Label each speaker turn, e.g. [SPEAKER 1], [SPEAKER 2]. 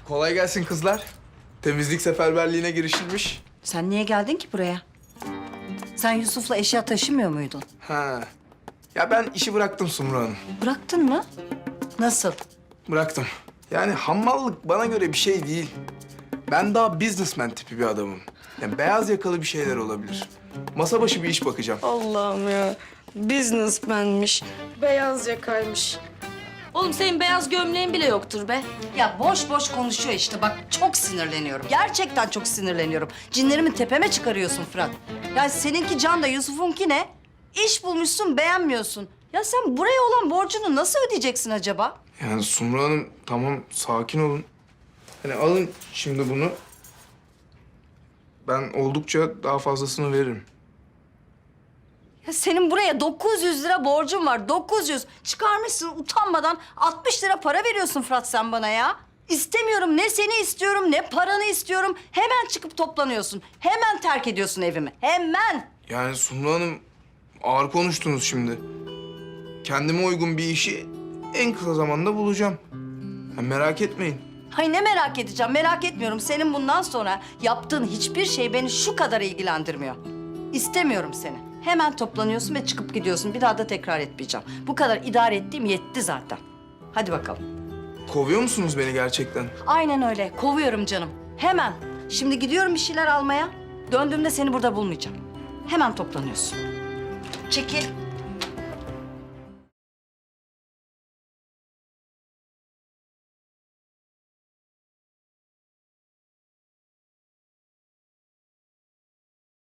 [SPEAKER 1] Kolay gelsin kızlar. Temizlik seferberliğine girişilmiş.
[SPEAKER 2] Sen niye geldin ki buraya? Sen Yusuf'la eşya taşımıyor muydun?
[SPEAKER 1] Ha. Ya ben işi bıraktım Sumru Hanım.
[SPEAKER 2] Bıraktın mı? Nasıl?
[SPEAKER 1] Bıraktım. Yani hammallık bana göre bir şey değil. Ben daha businessman tipi bir adamım. Yani beyaz yakalı bir şeyler olabilir. Masa başı bir iş bakacağım.
[SPEAKER 3] Allah'ım ya. Businessman'miş. Beyaz yakaymış.
[SPEAKER 4] Oğlum senin beyaz gömleğin bile yoktur be.
[SPEAKER 2] Ya boş boş konuşuyor işte. Bak çok sinirleniyorum. Gerçekten çok sinirleniyorum. Cinlerimi tepeme çıkarıyorsun Fırat. Ya seninki Can da Yusuf'unki ne? İş bulmuşsun beğenmiyorsun. Ya sen buraya olan borcunu nasıl ödeyeceksin acaba?
[SPEAKER 1] Yani Sumru Hanım tamam sakin olun. Hani alın şimdi bunu. Ben oldukça daha fazlasını veririm.
[SPEAKER 2] Ya senin buraya 900 lira borcun var. 900. Çıkarmışsın utanmadan 60 lira para veriyorsun Fırat sen bana ya. İstemiyorum. Ne seni istiyorum ne paranı istiyorum. Hemen çıkıp toplanıyorsun. Hemen terk ediyorsun evimi. Hemen.
[SPEAKER 1] Yani Sumru Hanım ağır konuştunuz şimdi. Kendime uygun bir işi en kısa zamanda bulacağım. Ya merak etmeyin.
[SPEAKER 2] Hay ne merak edeceğim. Merak etmiyorum. Senin bundan sonra yaptığın hiçbir şey beni şu kadar ilgilendirmiyor. İstemiyorum seni. Hemen toplanıyorsun ve çıkıp gidiyorsun. Bir daha da tekrar etmeyeceğim. Bu kadar idare ettiğim yetti zaten. Hadi bakalım.
[SPEAKER 1] Kovuyor musunuz beni gerçekten?
[SPEAKER 2] Aynen öyle. Kovuyorum canım. Hemen. Şimdi gidiyorum bir şeyler almaya. Döndüğümde seni burada bulmayacağım. Hemen toplanıyorsun. Çekil.